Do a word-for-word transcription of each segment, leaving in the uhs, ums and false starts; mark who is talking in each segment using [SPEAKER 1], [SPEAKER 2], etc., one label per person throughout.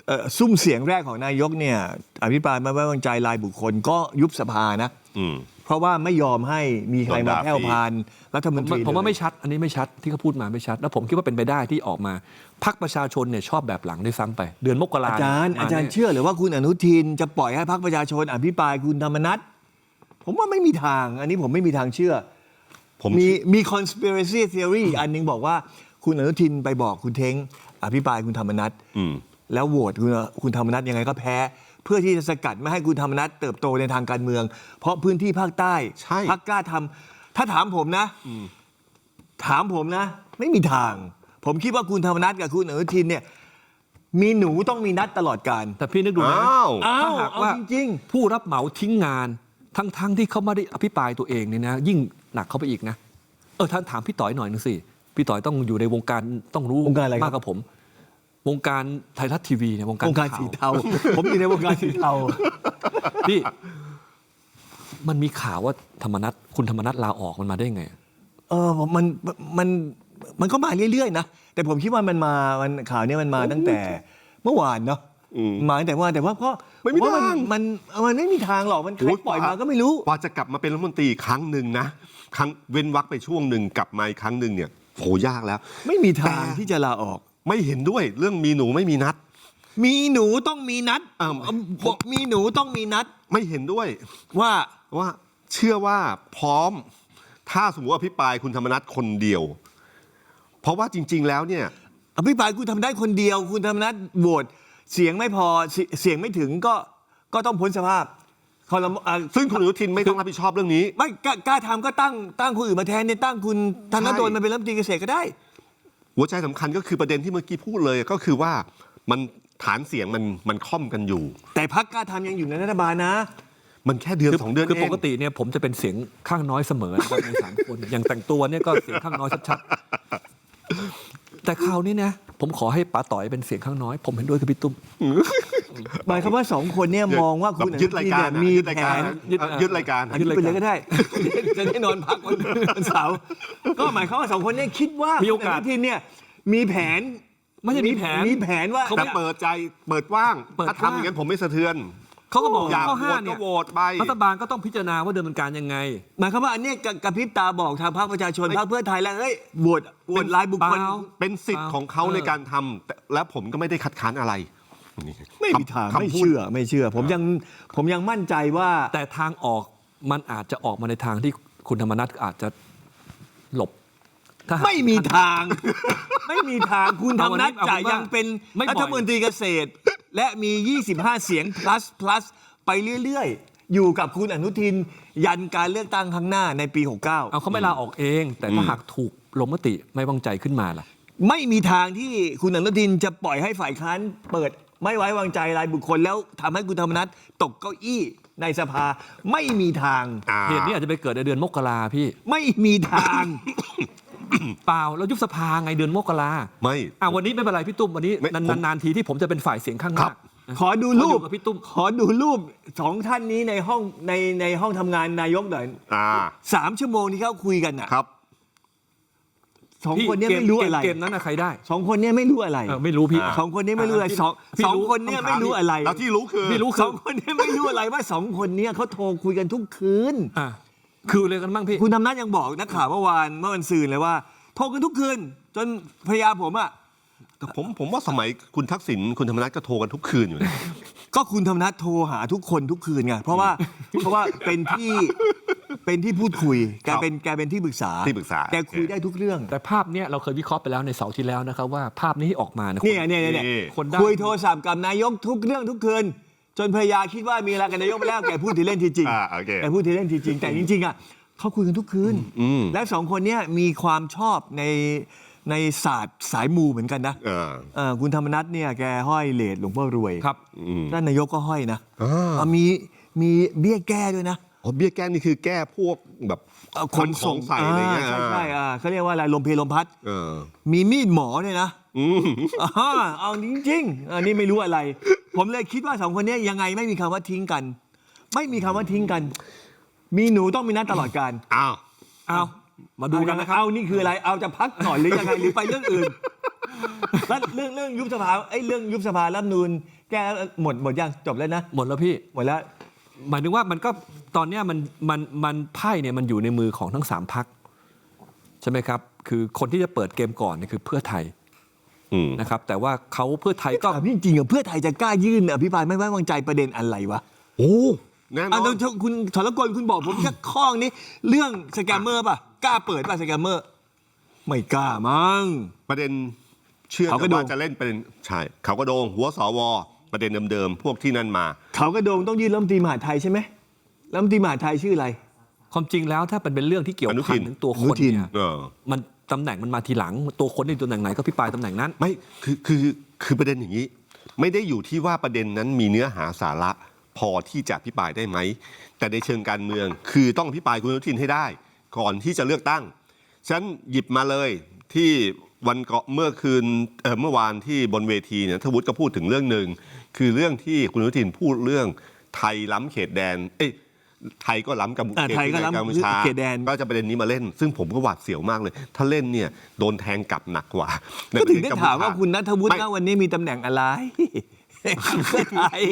[SPEAKER 1] ซุ่มเสียงแรกของนายกเนี่ยอภิปรายไม่ไว้วางใจรายบุคคลก็ยุบสภานะเพราะว่าไม่ยอมให้มีใครมาแผ่วพานรัฐมนตรี
[SPEAKER 2] ผมว่าไม่ชัดอันนี้ไม่ชัดที่เขาพูดมาไม่ชัดแล้วผมคิดว่าเป็นไปได้ที่ออกมาพรรคประชาชนเนี่ยชอบแบบหลังด้วยซ้ำไปเดือนมกรา
[SPEAKER 1] อาจารย์อาจารย์เชื่อหรือว่าคุณอนุทินจะปล่อยให้พรรคประชาชนอภิปรายคุณธรรมนัสผมว่าไม่มีทางอันนี้ผมไม่มีทางเชื่อมีมี conspiracy theory อันนึงบอกว่าคุณอนุทินไปบอกคุณเท้งอภิปรายคุณธรรมนัสแล้วโหวตคุณคุณธรรมนัสยังไงก็แพ้เพื่อที่จะสกัดไม่ให้คุณธรรมนัสเติบโตในทางการเมืองเพราะพื้นที่ภาคใต้พรรคกล้าทำถ้าถามผมนะถามผมนะไม่มีทางผมคิดว่าคุณธรรมนัสกับคุณอนุทินเนี่ยมีหนูต้องมีนัดตลอดการ
[SPEAKER 2] แต่พี่นึกดูนะถ้าหากว่า
[SPEAKER 1] จริง
[SPEAKER 2] ผู้รับเหมาทิ้งงานทั้งๆที่เขาไม่ได้อภิปรายตัวเองเนี่ยนะยิ่งหนักเข้าไปอีกนะเออท่านถามพี่ต่อยหน่อยนึงสิพี่ต่อยต้องอยู่ในวงการต้องรู้มากกว่าผมวงการไทยรัฐทีวีเนี่ยวงการ
[SPEAKER 1] วงการสีเทาผมอยู่ในวงการสีเทา
[SPEAKER 2] พี่มันมีข่าวว่าธรรมนัสคุณธรรมนัสลาออกมันมาได้ไง
[SPEAKER 1] เออมันมันมันก็มาเรื่อยๆนะแต่ผมคิดว่ามันมามันข่าวนี้มันมาตั้งแต่เมื่อวานเนาะมาตั้งแต่เมื่อวานแต่ว่าก็
[SPEAKER 3] ไม่มีทาง
[SPEAKER 1] มันมันไม่มีทางหรอกมันใครปล่อยมาก็ไม่รู้
[SPEAKER 3] กว่าจะกลับมาเป็นรัฐมนตรีครั้งหนึ่งนะครั้งเว้นวรรคไปช่วงหนึ่งกลับมาอีกครั้งหนึ่งเนี่ยโหยากแล้ว
[SPEAKER 1] ไม่มีทางที่จะลาออก
[SPEAKER 3] ไม่เห็นด้วยเรื่องมีหนูไม่มีนัด
[SPEAKER 1] มีหนูต้องมีนัดบอกมีหนูต้องมีนัด
[SPEAKER 3] ไม่เห็นด้วย
[SPEAKER 1] ว่า
[SPEAKER 3] ว่าเชื่อว่าพร้อมถ้าสมมติว่าอภิปรายคุณธรรมนัสคนเดียวเพราะว่าจริงๆแล้วเนี่ย
[SPEAKER 1] อภิปรายคุณทำได้คนเดียวคุณธรรมนัสโหวตเสียงไม่พอเสียงไม่ถึงก็ก็ต้องพ้นสภาพ
[SPEAKER 3] ซึ่งคุณอนุทินไม่ต้องรับผิดชอบเรื่องนี้
[SPEAKER 1] ไม่กล้าทำก็ตั้งตั้งคนอื่นมาแทนเนี่ยตั้งคุณธนดลมาเป็นรัฐมนตรีเกษตรก็ได้
[SPEAKER 3] หัวใจสำคัญก็คือประเด็นที่เมื่อกี้พูดเลยก็คือว่ามันฐานเสียงมันมันค่อมกันอยู่
[SPEAKER 1] แต่พรรคกล้าทำยังอยู่ในรัฐบาลนะ
[SPEAKER 3] มันแค่เดือนสองเดือนเอง
[SPEAKER 2] คือปกติเนี่ยผมจะเป็นเสียงข้างน้อยเสมอในสามคนอย่างแต่งตัวเนี่ยก็เสียงข้างน้อยชัดๆแต่คราวนี้นะผมขอให้ป๋าต่อยเป็นเสียงข้างน้อยผมเห็นด้วยกับพี่ตุ้ม
[SPEAKER 1] หมายความว่าสองคนเนี่ยมองว่าคุณ
[SPEAKER 3] ยึดรายการ
[SPEAKER 1] มี
[SPEAKER 3] แผนยึดรายการ
[SPEAKER 1] ยึดไปเลยก็ได้จะได้นอนพักวันเสาร์ก็หมายความว่าสองคนเนี่ยคิดว่า
[SPEAKER 2] มีโอกาส
[SPEAKER 1] ที่เนี่ยมีแผน
[SPEAKER 2] ไม่ใช่มีแผน
[SPEAKER 1] มีแผนว่า
[SPEAKER 3] แต่เปิดใจเปิดว่างถ้าทำอย่างนั้นผมไม่สะเทือน
[SPEAKER 2] เขาก็บอก
[SPEAKER 3] ข้อ
[SPEAKER 2] ห้าเนี่ยรัฐบาลก็ต้องพิจารณาว่าดำเนินการยังไง
[SPEAKER 1] หมายความว่าอันนี้กระพริบตาบอกทางพรรคประชาชนพรรคเพื่อไทยแล้วเฮ้ยโหวตโหวตรายบุคคล
[SPEAKER 3] เป็นสิทธิ์ของเขาในการทำและผมก็ไม่ได้คัดค้านอะไร
[SPEAKER 1] ไม่มีทางไม่เชื่อไม่เชื่อผมยังผมยังมั่นใจว่า
[SPEAKER 2] แต่ทางออกมันอาจจะออกมาในทางที่คุณธรรมนัสอาจจะหลบ
[SPEAKER 1] ไม่มีทางไม่มีทางคุณธรรมนัสจะยังเป็นรัฐมนตรีเกษตรและมียี่สิบห้าเสียง plus plus ไปเรื่อยๆอยู่กับคุณอนุทินยันการเลือกตั้งครั้งหน้าในปีหกสิบเก้า
[SPEAKER 2] เอาเขาไม่ลาออกเองแต่ถ้าหากถูกลงมติไม่วางใจขึ้นมาล่ะ
[SPEAKER 1] ไม่มีทางที่คุณอนุทินจะปล่อยให้ฝ่ายค้านเปิดไม่ไว้วางใจรายบุคคลแล้วทำให้คุณธรรมนัสตกเก้าอี้ในสภาไม่มีทาง
[SPEAKER 2] เหตุนี้อาจจะไปเกิดในเดือนมกราพี่
[SPEAKER 1] ไม่มีทาง
[SPEAKER 2] เปล่าเรายุบสภาไงเดือนมกรา
[SPEAKER 3] ไม่
[SPEAKER 2] อ่ะวันนี้ไม่เป็นไรพี่ตุ้มวันนี้นานๆทีที่ผมจะเป็นฝ่ายเสียงข้างมาก
[SPEAKER 1] ขอดูรูปพี่ตุ้มขอดูรูปสองท่านนี้ในห้องในในห้องทำงานนายกหน่อยสามชั่วโมงที่เขาคุยกันอ่ะ
[SPEAKER 3] ครับ
[SPEAKER 1] สองคนนี้ไม่รู้อะไร
[SPEAKER 2] เกมนั้นใครได้
[SPEAKER 1] สองคนนี้ไม่รู้อะไร
[SPEAKER 2] ไม่รู้พี่
[SPEAKER 1] สองคนนี้ไม่รู้อะไรสองสองคนนี้ไม่รู้อะไร
[SPEAKER 3] แล้วที่รู้คือ
[SPEAKER 2] ไม่รู้
[SPEAKER 1] สองคนนี้ไม่รู้อะไรว่าสองคนนี้เขาโทรคุยกันทุกคืน
[SPEAKER 2] คือเลยกันบ้างพี่
[SPEAKER 1] คุณธรรมนัสยังบอกนักข่าวเมื่อวานเมื่อวันซืนเลยว่าโทรกันทุกคืนจนภรรยาผมอ่ะ
[SPEAKER 3] ผมผมว่าสมัยคุณทักษิณคุณธรรมนัสก็โทรกันทุกคืนอยู่นะ
[SPEAKER 1] ก็คุณธรรมนัสโทรหาทุกคนทุกคืนไงเพราะว่าเพราะว่าเป็นที่เป็นที่พูดคุยแกเป็นแกเป็นที่ปรึกษา
[SPEAKER 3] ที่ปรึกษา
[SPEAKER 1] แกคุยได้ทุกเรื่อง
[SPEAKER 2] แต่ภาพเนี้ยเราเคยวิเคราะห์ไปแล้วในเสาร์ที่แล้วนะครับว่าภาพนี้ที่ออกมา
[SPEAKER 1] เนี่ยเนี่ยเนี่ยคุยโทรศัพท์กับนายกทุกเรื่องทุกคืนจนภรรยาคิดว่ามีอะไรกับนายกไปแล้วแกพูดทีเล่นทีจริงแกพูดทีเล่นทีจริงแต่จริงๆอ่ะเขาคุยกันทุกคืนและสองคนนี้มีความชอบในในศาสตร์สายมูเหมือนกันนะคุณธรรมนัสเนี่ยแกห้อยเหรียญหลวงพ่อรวย
[SPEAKER 2] ครับ
[SPEAKER 1] ด้านนายกก็ห้อยนะมีมีเบี้ยแก้ด้วยนะ
[SPEAKER 3] อ๋อเบี้ยแก้นี่คือแก้พวกแบบ
[SPEAKER 1] คนส่ง
[SPEAKER 3] ใส่อะไรเงี้ย
[SPEAKER 1] ใช่ใช่เขาเรียกว่าอะไรลมเพลลมพัดมีมีดหมอด้วยนะเอาจริงๆอันนี้ไม่รู้อะไรผมเลยคิดว่าสองคนนี้ยังไงไม่มีคำว่าทิ้งกันไม่มีคำว่าทิ้งกันมีหนูต้องมีนัดตลอดการ
[SPEAKER 3] อ้าว
[SPEAKER 2] อ้าวมาดูกันนะครับ
[SPEAKER 1] เอานี่คืออะไรเอาจะพักก่อนหรือยังไงหรือไปเรื่องอื่นแล้วเรื่องเรื่องยุบสภาไอ้เรื่องยุบสภารัฐธรรมนูญแก้แล้วหมดหมดยังจบแล้วนะ
[SPEAKER 2] หมดแล้วพี่
[SPEAKER 1] หมดแล้ว
[SPEAKER 2] หมายถึงว่ามันก็ตอนเนี้ยมันมันมันไพ่เนี่ยมันอยู่ในมือของทั้งสามพรรคใช่ไหมครับคือคนที่จะเปิดเกมก่อนเนี่ยคือเพื่อไทย
[SPEAKER 3] อืม
[SPEAKER 2] นะครับแต่ว่าเขาเพื่อไทยก็
[SPEAKER 1] ถามจริงๆอะเพื่อไทยจะกล้ายื่นอภิปรายไม่ไว้วางใจประเด็นอะไรวะ
[SPEAKER 3] โอ้แน่นอ
[SPEAKER 1] อ่ะ
[SPEAKER 3] น
[SPEAKER 1] เดี๋ยวคุณธรกลคุณบอกผมแค่ข้อนี้เรื่องสแกมเมอร์ป่ะกล้าเปิดป่ะสแกมเมอร์ไม่กล้ามั้ง
[SPEAKER 3] ประเด็นเชื่อ
[SPEAKER 1] เขากระโดง
[SPEAKER 3] ว่าจะเล่นประเด็นใช่เขากระโดงหัวสวประเด็นเดิมๆพวกที่นั่นมา
[SPEAKER 1] เขากระโดงต้องยื่นรัฐมนตรีมหาดไทยใช่ไหมรัฐมนตรีมหาดไทยชื่ออะไร
[SPEAKER 2] ความจริงแล้วถ้าเป็นเป็นเรื่องที่เกี่ยว
[SPEAKER 3] อนุ
[SPEAKER 2] พั
[SPEAKER 3] ทิ
[SPEAKER 2] น
[SPEAKER 3] น
[SPEAKER 2] ถึงตัวค
[SPEAKER 1] อนุ
[SPEAKER 2] น
[SPEAKER 1] ทิน
[SPEAKER 2] เนี่ย
[SPEAKER 3] เออ
[SPEAKER 2] มันตำแหน่งมันมาทีหลังตัวคนในตำแหน่งไหนก็พิปรายตำแหน่งนั้น
[SPEAKER 3] ไม่คือคือคือประเด็นอย่างนี้ ไม่ได้อยู่ที่ว่าประเด็นนั้นมีเนื้อหาสาระพอที่จะอภิปรายได้ไหมแต่ในเชิงการเมืองคือต้องอภิปรายคุณอนุทินให้ได้ ก่อนที่จะเลือกตั้งฉันหยิบมาเลยที่วันก่อนเมื่อคืนเอ่อเมื่อวานที่บนเวทีเนี่ยทวุฒิก็พูดถึงเรื่องหนึ่งคือเรื่องที่คุณอนุทินพูดเรื่องไทยล้ำเขตแดนเอ้ยไทยก็ล้ำกับ
[SPEAKER 1] อ่าไทยก็ล้ำ
[SPEAKER 3] กัมพูชา
[SPEAKER 1] เขตแดน
[SPEAKER 3] ก็จะประเด็นนี้มาเล่น ซึ่งผมก็หวาดเสียวมากเลย ถ้าเล่นเนี่ยโดนแทงกลับหนักกว่า
[SPEAKER 1] ก็ถึงได้ถามว่าคุณณัฐวุฒิ
[SPEAKER 3] ไม่
[SPEAKER 1] นะวันนี้มีตำแหน่งอะไร เพื่อไทย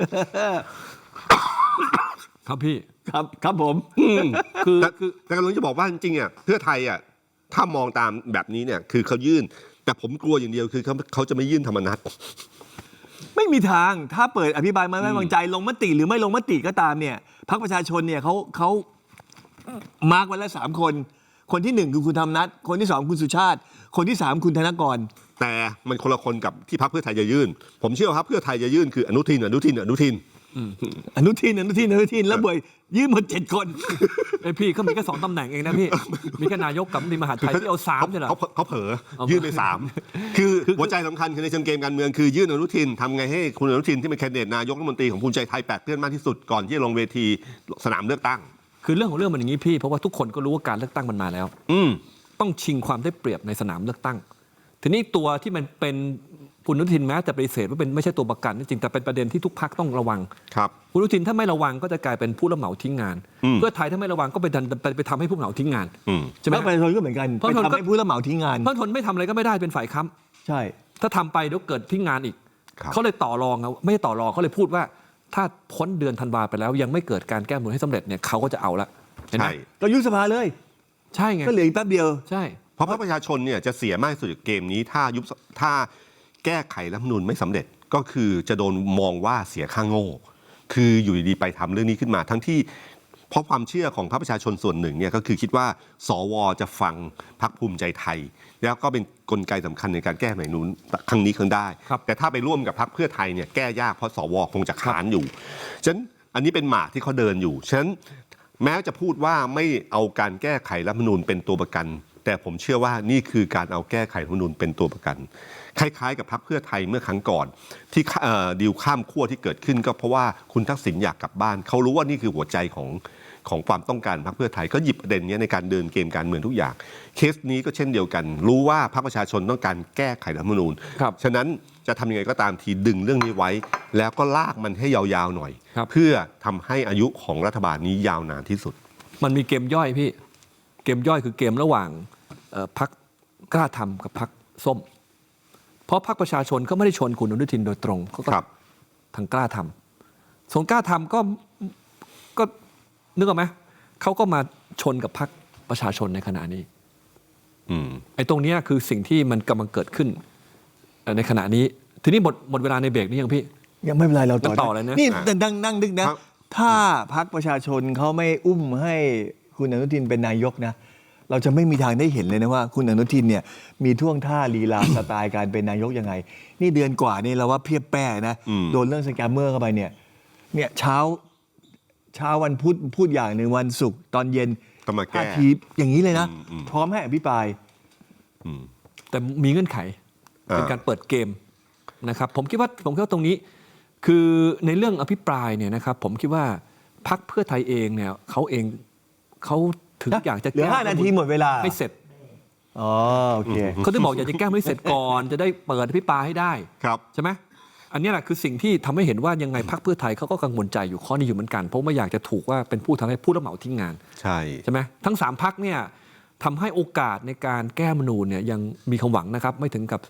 [SPEAKER 2] ครับพี่
[SPEAKER 1] ครับครับผม
[SPEAKER 2] คือ
[SPEAKER 3] แต่
[SPEAKER 2] คือ
[SPEAKER 3] แต่กำลังจะบอกว่าจริงๆอ่ะเพื่อไทยอ่ะถ้ามองตามแบบนี้เนี่ยคือเขายื่น แต่ผมกลัวอย่างเดียวคือเขาเขาจะไม่ยื่นธรรมนัต
[SPEAKER 1] ไม่มีทางถ้าเปิดอภิปรายไม่ไว้วางใจลงมติหรือไม่ลงมติก็ตามเนี่ยพรรคประชาชนเนี่ยเขาเขามาร์กไว้แล้วสามคน คนที่หนึ่งคือคุณธรรมนัฐคนที่สองคุณสุชาติ คนที่สามคุณธนกร
[SPEAKER 3] แต่มันคนละคนกับที่พรรคเพื่อไทยจะยื่น ผมเชื่อว่าพรรคเพื่อไทยจะยื่นคืออนุทินอนุทินอนุทิน
[SPEAKER 1] อนุทินอนุทินอนุทินแล้วเบยยื่นหมดเจ็ดคน
[SPEAKER 2] ไอยพี่เขามีแค่สองตำแหน่งเองนะพี่ มีแค่นายกกับรัฐมนตรีมหาดไทยที่เอาสามใช่เหรอ
[SPEAKER 3] เขาเขาเผลอ
[SPEAKER 2] เอา
[SPEAKER 3] ยื่นไปสามคือหัวใจสำคัญคือในเชิงเกมการเมืองคือยื่นอนุทินทำไงให้คุณอนุทินที่เป็นแคนดิเดตนายกรัฐมนตรีของภูมิใจไทยแปดเพื่อนมากที่สุดก่อนที่จะลงเวทีสนามเลือกตั้ง
[SPEAKER 2] คือเรื่องของเรื่องมันอย่างนี้พี่เพราะว่าทุกคนก็รู้ว่าการเลือกตั้งมันมาแล้ว
[SPEAKER 3] อืม
[SPEAKER 2] ต้องชิงความได้เปรียบในสนามเลือกตั้ง ทีนี้ตัวที่มันเป็นคุณอนุทินแม้จะปฏิเสธว่าเป็นไม่ใช่ตัวประกันจริงแต่เป็นประเด็นที่ทุกพรรคต้องระวัง
[SPEAKER 3] ครับ
[SPEAKER 2] คุณอนุทินถ้าไม่ระวังก็จะกลายเป็นผู้รับเหมาทิ้งงาน
[SPEAKER 3] อืม
[SPEAKER 2] เพื่อไทยถ้าไม่ระวังก็ไปดันไปไปทำให้ผู้รับเหมาทิ้งงาน
[SPEAKER 3] อืม
[SPEAKER 2] ใช่ไหม
[SPEAKER 1] พรรคประชาชนก็เหมือนกัน
[SPEAKER 2] เพราะ
[SPEAKER 1] ไป
[SPEAKER 2] คน
[SPEAKER 1] ทำ
[SPEAKER 2] ก็
[SPEAKER 1] ให้ผู้รับเหมาทิ้งงาน
[SPEAKER 2] เพราะทนไม่ทำอะไรก็ไม่ได้เป็นฝ่ายค้
[SPEAKER 1] ใช่
[SPEAKER 2] ำถ้าทำไปเดี๋ยวเกิดทิ้งงานอีก
[SPEAKER 3] ครับ
[SPEAKER 2] เขาเลยต่อรองนะไม่ใช่ต่อรองเขาเลยพูดว่า ถ้าพ้นเดือนธันวาไปแล้วยังไม่เกิดการแก้รัฐธรรมนูญให้สำเร็จเนี่ยเขาก็จะเอาละเห็นไหม
[SPEAKER 3] ใช่
[SPEAKER 1] ก็ยุบสภาเลย
[SPEAKER 2] ใช่ไง
[SPEAKER 1] ก็เหลืออีกแป๊บเดียว
[SPEAKER 2] ใช่
[SPEAKER 3] เพราะพรรคประชาชนเนี่ยจะเสียมากที่สุดจากเกมนี้ถ้ายุบถ้าแก้ไขรัฐธรรมนูญไม่สำเร็จก็คือจะโดนมองว่าเสียค่าโง่ คืออยู่ดีๆไปทำเรื่องนี้ขึ้นมา ทั้งที่เพราะความเชื่อของพรรคประชาชนส่วนหนึ่งเนี่ยก็คือคิดว่าสวจะฟังพรรคภูมิใจไทย แล้วก็เป็นกลไกสำคัญในการแก้รัฐธรรมนูญครั้งนี้ครั้งได้
[SPEAKER 2] ครับ
[SPEAKER 3] แต่ถ้าไปร่วมกับพรรคเพื่อไทยเนี่ยแก้ยากเพราะสวคงจะค้านอยู่ฉะนั้นอันนี้เป็นหมากที่เขาเดินอยู่ฉะนั้นแม้จะพูดว่าไม่เอาการแก้ไขรัฐธรรมนูญเป็นตัวประกัน แต่ผมเชื่อว่านี่คือการเอาแก้ไขรัฐธรรมนูญเป็นตัวประกัน คล้ายๆกับพรรคเพื่อไทยเมื่อครั้งก่อน ที่เอ่อดีลข้ามขั้วที่เกิดขึ้นก็เพราะว่าคุณทักษิณอยากกลับบ้านเขารู้ว่านี่คือหัวใจของของความต้องการพรรคเพื่อไทยก็หยิบประเด็นนี้ในการเดินเกมการเมืองทุกอย่างเคสนี้ก็เช่นเดียวกัน รู้ว่าพรรคประชาชนต้องการแก้ไขรัฐธรรมนูญ
[SPEAKER 2] ครับ
[SPEAKER 3] ฉะนั้นจะทำยังไงก็ตามทีดึงเรื่องนี้ไว้ แล้วก็ลากมันให้ยาวๆหน่อย
[SPEAKER 2] ครับ
[SPEAKER 3] เพื่อทำให้อายุของรัฐบาลนี้ยาวนานที่สุด
[SPEAKER 2] มันมีเกมย่อยพี่ เกมย่อยคือเกมระหว่างเอ่อพรรคกล้าทำกับพรรคส้ม เพราะพรรคประชาชนก็ไม่ได้ชนคุณอนุทินโดยตรงเขาก็
[SPEAKER 3] ครับ
[SPEAKER 2] ทางกล้าทำส่วนกล้าทำก็ก็นึกออกไหมเขาก็มาชนกับพรรคประชาชนในขณะนี้
[SPEAKER 3] อืม
[SPEAKER 2] ไอ้ตรงเนี้ยคือสิ่งที่มันกำลังเกิดขึ้นเอ่อในขณะนี้ ทีนี้หมดหมดเวลาในเบรกนี้ยังพี่
[SPEAKER 1] ยังไม่เป็นไรเราต่อ
[SPEAKER 2] งั้นต่อเลยนะ
[SPEAKER 1] นี่
[SPEAKER 3] อ่ะ
[SPEAKER 1] แต่นั่งนั่งดึกนะ
[SPEAKER 3] ครับ
[SPEAKER 1] ถ้าพรรคประชาชนเขาไม่อุ้มให้คุณอนุทินเป็นนายกนะ เราจะไม่มีทางได้เห็นเลยนะว่า คุณอนุทินเนี่ยมีท่วงท่าลีลา สไตล์การเป็นนายกยังไง นี่เดือนกว่านี่เราว่าเพียบแป้นะ
[SPEAKER 3] อืม
[SPEAKER 1] โดนเรื่องสแกมเมอร์เข้าไปเนี่ยเนี่ยเช้าเช้าวันพุธพูดอย่างหนึ่งวันศุกร์ตอนเย็น
[SPEAKER 3] ก็มาแก้
[SPEAKER 1] ท่าทีอย่างนี้เลยนะ
[SPEAKER 3] อืมอืม
[SPEAKER 1] พร้อมให้อภิปราย
[SPEAKER 3] อืม
[SPEAKER 2] แต่มีเงื่อนไข
[SPEAKER 3] อ่า
[SPEAKER 2] เป็นการเปิดเกมนะครับผมคิดว่าผมคิดว่าตรงนี้คือในเรื่องอภิปรายเนี่ยนะครับผมคิดว่าพรรคเพื่อไทยเองเนี่ยเขาเองเขาถึงอยากจะ
[SPEAKER 1] เหลือห้านาทีหมดเวลา
[SPEAKER 2] ไม่เสร็จ
[SPEAKER 1] อ๋อโอเค
[SPEAKER 2] เขาถึงบอกอยากจะแก้ไม่เสร็จก่อน จะได้เปิดอภิปรายให้ได้
[SPEAKER 3] ครับ
[SPEAKER 2] ใช่ไหมอันนี้แหละคือสิ่งที่ทำให้เห็นว่ายังไงพรรคเพื่อไทยเขาก็กังวลใจอยู่ข้อนี้อยู่เหมือนกันเพราะไม่อยากจะถูกว่าเป็นผู้ทำให้ผู้รับเหมาทิ้งงาน
[SPEAKER 3] ใช่
[SPEAKER 2] ใช่ไหมทั้งสามพักเนี่ยทำให้โอกาสในการแก้รัฐธรรมนูญเนี่ยยังมีความหวังนะครับ ไม่ถึงกับ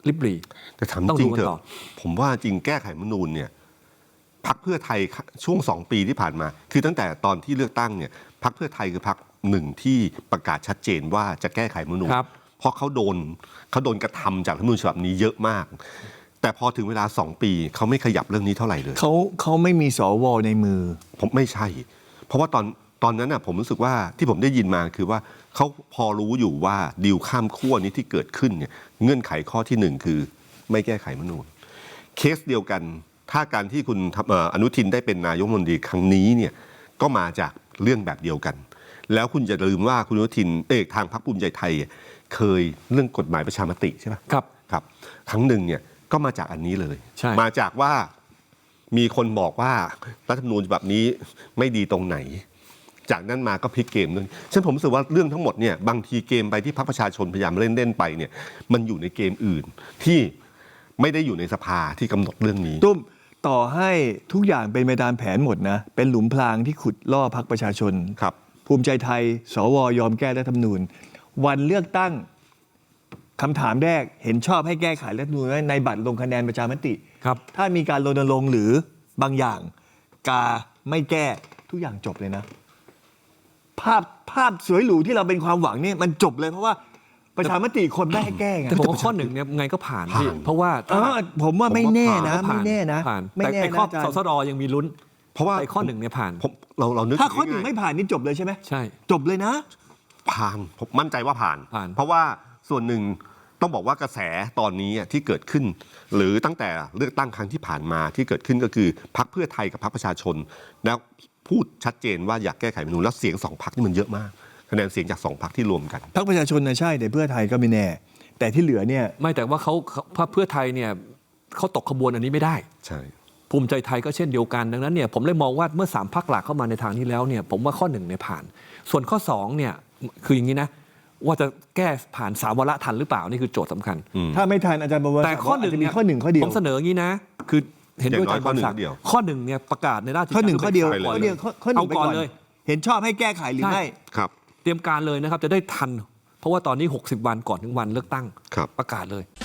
[SPEAKER 2] ลิบหลี
[SPEAKER 3] แต่ถาม
[SPEAKER 2] ต้อง
[SPEAKER 3] จ
[SPEAKER 2] ดู
[SPEAKER 3] ริง
[SPEAKER 2] กัน
[SPEAKER 3] เถ
[SPEAKER 2] ต่อ
[SPEAKER 3] อะผมว่าจริงแก้ไขรัฐธรรมนูญเนี่ยพรรคเพื่อไทยช่วงสองปีที่ผ่านมา คือตั้งแต่ตอนที่เลือกตั้งเนี่ยพรรคเพื่อไทยคือพรรคหนึ่งที่ประกาศชัดเจนว่าจะแก้ไขรัฐธรรมนูญ
[SPEAKER 2] ครับ
[SPEAKER 3] เพราะเขาโดนเขาโดนกระทำจากรัฐธรรมนูญฉบับนี้เยอะมาก แต่พอถึงเวลาสองปีเขาไม่ขยับเรื่องนี้เท่าไหร่เลย
[SPEAKER 1] เขาเขาไม่มีสวในมือ
[SPEAKER 3] ผมไม่ใช่ เพราะว่าตอนตอนนั้นน่ะผมรู้สึกว่าที่ผมได้ยินมาคือว่าเขาพอรู้อยู่ว่าดีลข้ามขั้วนี้ที่เกิดขึ้นเนี่ยเงื่อนไขข้อที่หนึ่งคือไม่แก้ไขรัฐธรรมนูญเคสเดียวกันถ้าการที่คุณเอ่ออนุทินได้เป็นนายกรัฐมนตรีครั้งนี้เนี่ยก็มาจากเรื่องแบบเดียวกัน แล้วคุณจะลืมว่าคุณอนุทินเอกทางพรรคภูมิใจไทยเคยเรื่องกฎหมายประชามติใช่ไหม
[SPEAKER 2] ครับ
[SPEAKER 3] ครับครั้งหนึ่งเนี่ยก็มาจากอันนี้เลย
[SPEAKER 2] ใช่
[SPEAKER 3] มาจากว่ามีคนบอกว่ารัฐธรรมนูญฉบับนี้ไม่ดีตรงไหน จากนั้นมาก็พลิกเกมด้วยฉะนั้นผมรู้สึกว่าเรื่องทั้งหมดเนี่ยบางทีเกมไปที่พรรคประชาชนพยายามเล่นเล่นไปเนี่ยมันอยู่ในเกมอื่นที่ไม่ได้อยู่ในสภาที่กำหนดเรื่องนี้
[SPEAKER 1] ตุ้มต่อให้ทุกอย่างเป็นไปตามแผนหมดนะ เป็นหลุมพรางที่ขุดล่อพรรคประชาชน
[SPEAKER 3] ครับ
[SPEAKER 1] ภูมิใจไทย สวยอมแก้รัฐธรรมนูญ วันเลือกตั้งคำถามแรกเห็นชอบให้แก้ไขรัฐธรรมนูญไหมในบัตรลงคะแนนประชามติ
[SPEAKER 2] ครับ
[SPEAKER 1] ถ้ามีการรณรงค์หรือบางอย่าง กาไม่แก้ทุกอย่างจบเลยนะ ภาพภาพสวยหรูที่เราเป็นความหวังเนี่ยมันจบเลยเพราะว่าประชามติคนไม่ให้แก้ไง
[SPEAKER 2] แต่ผมว่าข้อหนึ่งเนี่ยไงก็ผ่านพี่
[SPEAKER 3] ผ่าน
[SPEAKER 2] เพราะว่า
[SPEAKER 1] เออผมว่าไม่แน่นะ
[SPEAKER 2] ผ่า
[SPEAKER 1] ไม่แน่นะ
[SPEAKER 2] ผ่าน
[SPEAKER 1] ไม่
[SPEAKER 2] แต่
[SPEAKER 1] แน่
[SPEAKER 2] ไอ้
[SPEAKER 1] นะ
[SPEAKER 2] ข้อ
[SPEAKER 1] อาจาร
[SPEAKER 2] ส
[SPEAKER 1] ย์
[SPEAKER 2] สรยังมีลุ้น
[SPEAKER 3] เพราะว่า
[SPEAKER 2] แต่ไอ้ข้อหนึ่งเนี่ยผ่าน
[SPEAKER 3] ผมเราเรานึก
[SPEAKER 1] ถ้าข้อ
[SPEAKER 3] ถึ
[SPEAKER 1] หนึ่ง
[SPEAKER 3] ง่ยๆ
[SPEAKER 1] ไม่ผ่านนี่จบเลยใช่ไหม
[SPEAKER 2] ใช่
[SPEAKER 1] จบเลยนะ
[SPEAKER 3] ผ่านผมมั่นใจว่าผ่าน
[SPEAKER 2] ผ่าน
[SPEAKER 3] เพราะว่าส่วนหนึ่งต้องบอกว่ากระแสตอนนี้ที่เกิดขึ้น หรือตั้งแต่เลือกตั้งครั้งที่ผ่านมาที่เกิดขึ้นก็คือพรรคเพื่อไทยกับพรรคประชาชน แล้วพูดชัดเจนว่าอยากแก้ไขรัฐธรรมนูญแล้วเสียงสองพรรคนี่มันเยอะมากคะแนนเสียงจากสองพรรคที่รวมกัน
[SPEAKER 1] พรรคประชาชนนะใช่แต่เพื่อไทยก็ไม่แน่ แต่ที่เหลือเนี่ย
[SPEAKER 2] ไม่แต่ว่าเขาเขาพรรคเพื่อไทยเนี่ยเขาตกขบวนอันนี้ไม่ได้
[SPEAKER 3] ใช่
[SPEAKER 2] ภูมิใจไทยก็เช่นเดียวกันดังนั้นเนี่ยผมเลยมองว่าเมื่อสามพรรคหลักเข้ามาในทางนี้แล้วเนี่ยผมว่าข้อหนึ่งเนี่ยผ่าน ส่วนข้อสองเนี่ยคืออย่างนี้นะว่าจะแก้ผ่านสามวาระทันหรือเปล่านี่คือโจทย์สำคัญ
[SPEAKER 1] ถ้าไม่ทันอาจารย์บอกว่า
[SPEAKER 2] แต่ข้อหนึ่ง
[SPEAKER 1] จะ
[SPEAKER 2] เนี่
[SPEAKER 1] มี
[SPEAKER 2] ย
[SPEAKER 1] ข้อหนึ่งข้อเดียว
[SPEAKER 2] ผมเสนออย่างนี้นะ คือเห็นด้วย
[SPEAKER 3] อย่างน้อย
[SPEAKER 2] อาจารย์บอลศักดิ์
[SPEAKER 3] ข้อหนึ่งเดียว
[SPEAKER 2] ข้อหนึ่งเนี่ยประกาศในราชกิจ
[SPEAKER 1] ข้อหนึ่งข้อเดียว
[SPEAKER 3] ไปเลย
[SPEAKER 1] ข้อเดียวข้อข้อหนึ่ง
[SPEAKER 2] เอา
[SPEAKER 1] ไป
[SPEAKER 2] ก่
[SPEAKER 1] ก่
[SPEAKER 2] อ
[SPEAKER 1] อน น
[SPEAKER 2] เลย
[SPEAKER 1] เห็นชอบให้แก้ไขหรือ
[SPEAKER 2] ใช่
[SPEAKER 1] ไม่
[SPEAKER 3] ครับ
[SPEAKER 2] เตรียมการเลยนะครับจะได้ทัน เพราะว่าตอนนี้หกสิบวันก่อนถึงวันเลือกตั้ง
[SPEAKER 3] ครับ
[SPEAKER 2] ประกาศเลย